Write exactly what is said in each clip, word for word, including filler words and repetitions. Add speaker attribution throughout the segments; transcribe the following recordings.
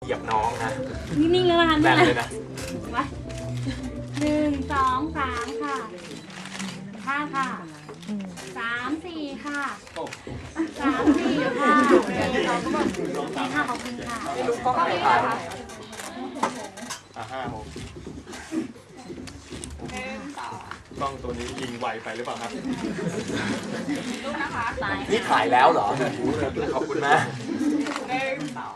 Speaker 1: ยียบน้องนะ
Speaker 2: นิ่งๆแล้วนะคะ
Speaker 1: แบนเลยนะ
Speaker 2: ไปหนึ่งสองสามค่ะห้าค่ะสามสี่ค่ะสามสี่ค่ะเราก็แบบนี่ค่ะขอบคุณค่ะไม่รู้ก็ไม่ได้ค่ะ
Speaker 1: อ่ะห้าหกกล้องตัวนี้ยิงไวไปหรือเปล่าครับ
Speaker 2: ลูกนะคะสาย
Speaker 1: นี่ถ่ายแล้วเหรอขอบคุณมาก
Speaker 2: หนึ่งสอง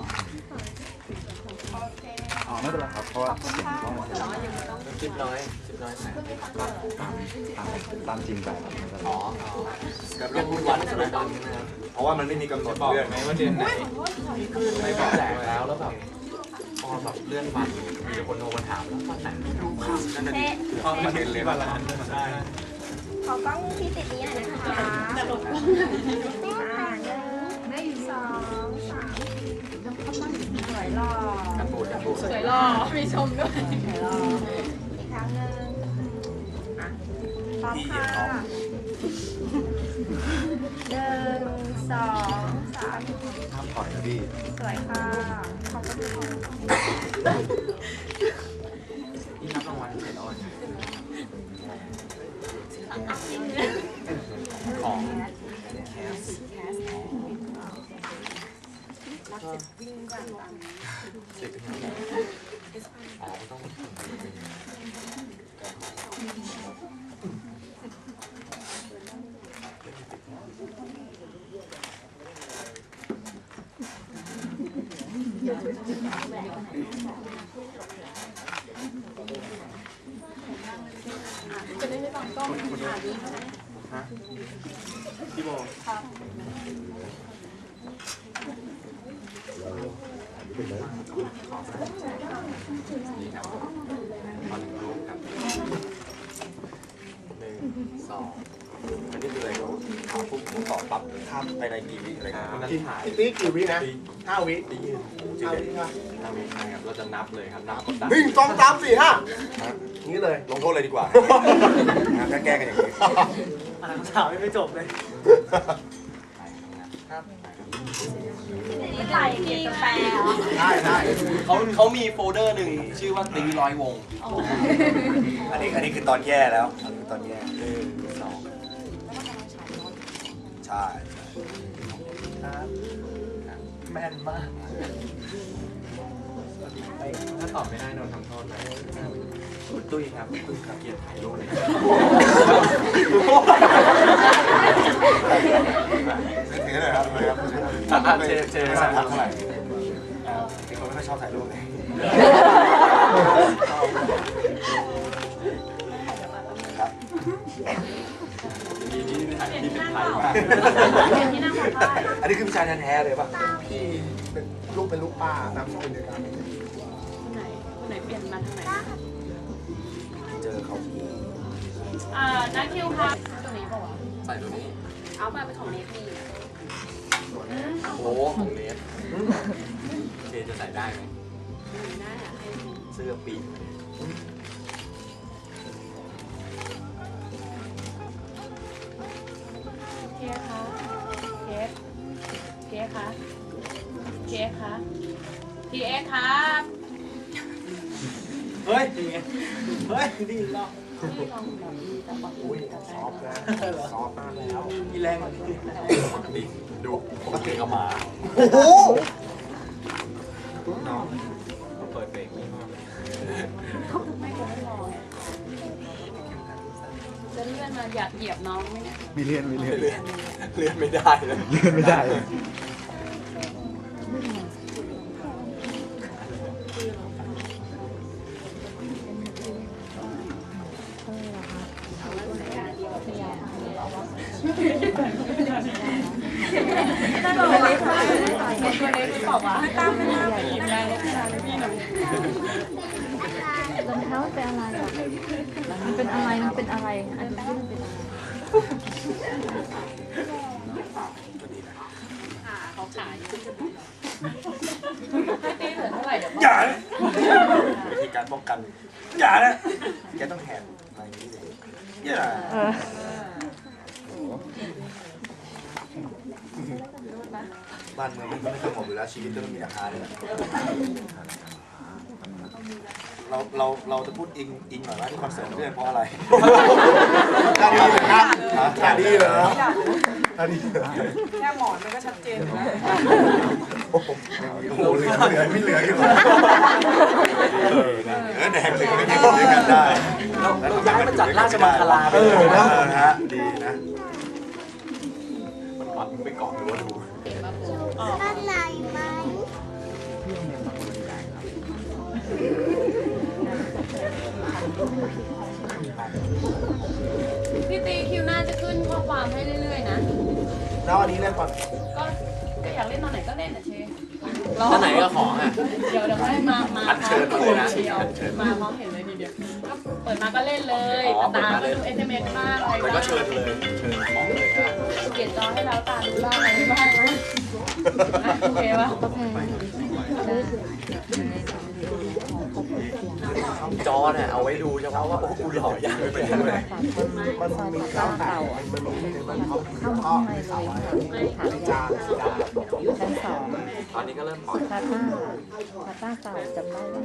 Speaker 3: อ๋อไม่เป็นไรครับเพราะว่า
Speaker 1: สิบน้อยสิบน้อยถ่าย
Speaker 3: ตามตามจริงไป
Speaker 1: อ๋อกับเรื่องวุ่นวันใช่ไหมตอนนี้นะครับเพราะว่ามันไม่มีกำหนดบอกไหมว่าเดือนไหนพี่ขึ้นไม่บอกแจกแล้วแล้วแบบพอแบบเลื่อนวันมีคนโทรมาถามแล้ววันไหนไม่รู้ครับนั่นน่ะดิพอมาเห็นเลยบาลานซ์ใช่
Speaker 4: ขอกล้องที่ติดนี้หน่อยนะคะจะหลบกล้องอ่าหนึ่งสองสามสวยหล่อ
Speaker 1: กันบูดกันบูด
Speaker 2: สวยหล่อมีชมด้วย
Speaker 4: สวยหล่ออีกครั้งหนึ่งอ่ะพร้อมค่ะหนึ่งสองสาม
Speaker 3: ห้ามปล่อยนะพี่
Speaker 4: สวยค่ะขอบคุณค่ะ
Speaker 1: นี่รับรางวัลเสร็จแล้วของสิบอ๋อต้อง
Speaker 2: จะได้ไม่บังกล้องอ่านนี้
Speaker 1: ฮะพี่โบนี่ครับขอหนึ่งรูปครับหนึ่งสองอันนี้คืออะไรครับขอปุ๊บผมตอบปั๊บข้ามไปในกี่วิอะไรครับนั่นถ่าย
Speaker 5: พี่ติ๊กกี่วินะห้าวิ
Speaker 1: ตียืนจริงเลยห้าวิใช่ครับเราจะนับเลยครับนับกดดัน
Speaker 5: หนึ่งสองสามสี่ห้านี้เลย
Speaker 1: ลงโทษเลยดีกว่าถ้าแก้กันอย่างนี้
Speaker 5: อ่านข่าวไม่จบเลย
Speaker 2: ถ่ายที่แปล
Speaker 5: ได้ได้
Speaker 1: เขาเขามีโฟลเดอร์หนึ่งชื่อว่าตีร้อยวง
Speaker 3: อันนี้อันนี้คือตอนแย่แล้วอันนี้ตอนแย่
Speaker 1: หนึ่งสอง
Speaker 3: ใช่
Speaker 5: แม่นมาก
Speaker 1: ถ้าตอบไม่ได้โดนทำโทษนะคุณตุ้ยครับคุณตุ้ยครับเกียรติถ่ายรูปเลย
Speaker 3: ถือเลยครับเลยครับ
Speaker 1: เจเจ
Speaker 3: ไม่
Speaker 1: สั
Speaker 3: สั่
Speaker 1: น
Speaker 3: ง
Speaker 1: ทั
Speaker 3: ทั
Speaker 1: ก
Speaker 3: ก
Speaker 1: เท่า
Speaker 3: เท่า
Speaker 1: ไห
Speaker 3: ไห
Speaker 1: ร่
Speaker 3: ร่เป็นคนไม่ค่อยชอบถ่ายรูปเลย ครับ
Speaker 1: มีนี่ถ่ายที่เป็นไทยมาก
Speaker 2: ที่นั่งหัวผ้า
Speaker 3: อันนี้คือวิชาแท้ๆเลยป่ะ
Speaker 5: พี่เป็นลูกเป็นลูกป้านามสกุลเดียวกัน
Speaker 2: คนไหนคนไหนเปลี่ยนมาทางไหน
Speaker 3: เจอเขา
Speaker 2: อ่านักคิวค่ะตัวนี้ป่าวะ
Speaker 1: ใส่ตัวนี้
Speaker 2: เอามาเป็นของเนที
Speaker 1: โอ้โหของเนสเจจะใส่ได้ไหม
Speaker 2: น่าอยากให้
Speaker 1: เสื้อปีก
Speaker 2: เค้กคะเค้กเค้กคะเค้กคะพีเอ็กครับ
Speaker 5: เฮ้ยดีไงเฮ้ยดีเนาะ
Speaker 2: ที่ลองแบบมีแต่ปก
Speaker 5: อุ้ย
Speaker 2: ติ
Speaker 5: ซอฟต์แล้วซอฟต์มากแล้วมีแรง กว่านี้
Speaker 1: ปกติดูปกติก็มา
Speaker 5: โอ้โห
Speaker 1: น้องเปิดเบรกไม่มาก
Speaker 2: ไม่คงไม่รอจะเลื่อนมาอยากเหยียบน้องไหมเนี่ย
Speaker 3: มีเรียนมีเรียน
Speaker 1: เลื่อนเลื่อนไม่ได้เลย
Speaker 3: เรียนไม่ได้เลย
Speaker 2: ถ้าโดนเล็กค่ะตัวเล็กหรือเปล่าวะตามไม่ตามไปหยิบแรงลงมาเลยพี่หน่อย
Speaker 6: รองเท้ามันเป็นอะไรอ่ะมันเป็นอะไร มันเป็นอะไรอันนี้มันเป็นอะไร
Speaker 2: ขาเขาขายตีเหลือเท่าไหร่เดี๋ยว
Speaker 3: อย่าวิธีการป้องกันอย่านะแกต้องแหกอะไรอย่างนี้เลยอย่า
Speaker 6: เออ
Speaker 3: บ้านเมืองมันไม่สงบอยู่แล้วชีวิตก็ไม่มีราคาเลยเราเราเราจะพูดอิงอิงหน่อยว่าที่คอนเสิร์ตเรื่องเพราะอะไรท่าดีเหรอครับท่าดีเหรอท่าดี
Speaker 7: แค่หมอนมันก็ชัดเจนอยู่แล้ว
Speaker 3: โอ้โหเหลือเหลือไม่เหลืออยู่เออแดงถึงไม่ได้ด้วยกันได้
Speaker 5: เราย้ายมาจัดราชมังคลา
Speaker 3: เออนะฮะดีนะ
Speaker 1: มันปัดไปก่อนหรือว่าดู
Speaker 4: ด้านในไหม
Speaker 2: พี่ตีคิวหน้าจะขึ้นข้อความให้เรื่อยๆนะ
Speaker 3: แล้วอันนี้เล่นก่อน
Speaker 2: ก็ก็อยากเล่นตอนไหนก็เล่นอ่ะเช
Speaker 1: ถ้าไหนก็ของอ่ะ
Speaker 2: เดี๋ยวเดี๋ยวให้มามาพร้อมเห็นทีเดียวมาพร้อมเห็นเลยทีเดียวก็เปิดมาก็เล่นเลยตาก็ดูเอสเอ็มเอสบ้างอะไร
Speaker 1: แล้วก็
Speaker 2: บ้าง
Speaker 1: เชิญเลยเชิญของเลยก็
Speaker 2: เปลี่ยนจอให้แล้วตาดูบ้างอะไรบ้างนะโอเคปะ
Speaker 1: จอเนี่ยเอาไว้ดูเฉพาะว่าโอ้กูหล่อยังไม่ได้เลย
Speaker 6: มันมีข้าวเต่าเข้ามาข้างในเลยค่ะถามชั้นสอง
Speaker 1: ตอนนี้ก็เริ่มปล่อย
Speaker 6: ซาต้าซาต้าเต่าจำได้ไหม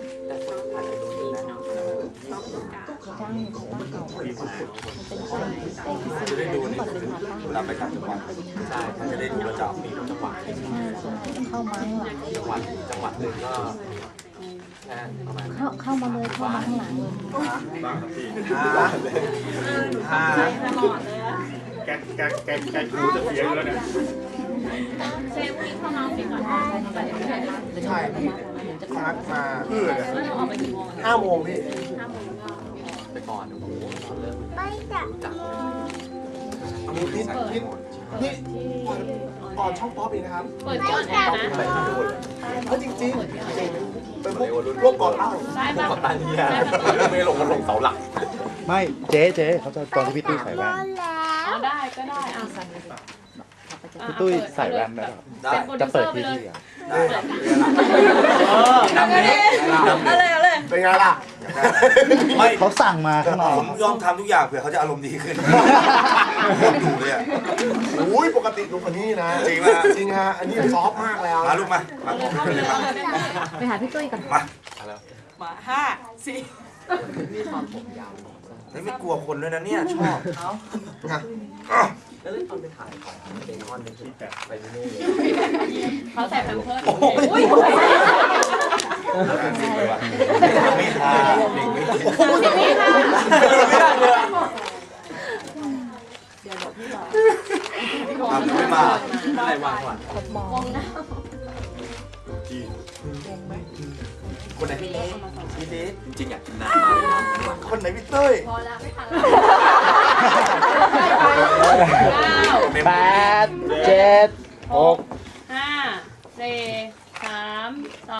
Speaker 6: ใช่ซาต้าเต่ามันเป็นไก่ไก่ที่สุด
Speaker 3: จะได้ดู
Speaker 6: ก่
Speaker 3: นี่
Speaker 6: อนเป็นซาต้า
Speaker 3: เวลาไปต่างจังหวัด
Speaker 1: ใช่มันจะได้ดูประจำมีจังหวัด
Speaker 6: ใช่ใช่เข้ามาข้างหลัง
Speaker 1: จังหวัดจังหวัดหนึ่งก็แค่ประมาณ
Speaker 6: เข้าเข้ามาเลยเข้ามาข้างหลังเลย
Speaker 3: ห้า
Speaker 8: แกแกแกแกหูจะเสียอยู่แล้วเนี่ย
Speaker 2: เซฟพี่เข้ามาปิดก่อนไปเดี๋ยวไม่ได้แล้ว
Speaker 3: ใช่พี่นัดมาเพื่อ
Speaker 2: เราออกไปกี่โมง
Speaker 3: ห้าโมงพี่
Speaker 2: ห้าโมงก็
Speaker 1: ไปก่อนโอ้โหตอนเริ่ม
Speaker 4: ไม่จับ
Speaker 1: จับ
Speaker 3: นี่นี่นี่นี่อ่อนช่องป๊อปอีกนะครับ
Speaker 2: เปิดที่ออนแอร์นะ
Speaker 3: เออจริงจริงเป็นพวกพวกก่อนเล่า
Speaker 2: ได้ปะ
Speaker 1: กับตันเฮียไม่ลงมันลงเสาหลัก
Speaker 8: ไม่เจ๊เจ๊เขาจะตอนที่พี่ตุ้ยใส่แว่น
Speaker 2: อ๋อได้ก็ได้อ่ะ
Speaker 8: พี่ตุ้ยใส่แว่นได้ป่ะ
Speaker 3: ได้
Speaker 8: จะเปิดที่ที่อ่ะ
Speaker 3: ได้ครับ
Speaker 1: นำเลยนำเลย
Speaker 3: เป็นไงล่ะไม่
Speaker 8: เขาสั่งมาข้างนอก
Speaker 3: ผมยอมทำทุกอย่างเผื่อเขาจะอารมณ์ดีขึ้นดูเลยอ่ะโอ้ยปกติลุกกว่านี้นะจริงนะจริงฮะอันนี้ซอฟมากแล้วมาลูกมามา
Speaker 2: เข้าไปเลยเข้าไปเลย
Speaker 6: ไปหาพี่ตุ้ยก่อน
Speaker 3: มา
Speaker 7: มาห้าสี่
Speaker 3: เฮ้ยไม่กลัวคนด้วยนะเนี่ยชอบนะ
Speaker 1: แล้วเล่นตอนไปถ่ายของเดมอนเป็นที่แบบไปที่นู่นเลย
Speaker 2: เขาใส่แพมเพิร์ส
Speaker 3: โอ้
Speaker 2: อุ้
Speaker 3: ย
Speaker 2: ย
Speaker 3: ไม่ทาเด็กไม่ทา
Speaker 2: สิบวิค่ะ
Speaker 3: ทำไม่มา
Speaker 1: อะไรวางก่อน
Speaker 6: มอง
Speaker 2: มองนะ
Speaker 1: คนไหนพี่เล็กพี่เล็กจริงๆอยากกินน้ำมากเลยนะ
Speaker 3: คนไหนพี่เต้ย
Speaker 2: พอแล้วไม่ทันแล้วเก้า
Speaker 8: แปดเจ็ดหก
Speaker 2: ห้าสี่สามสอง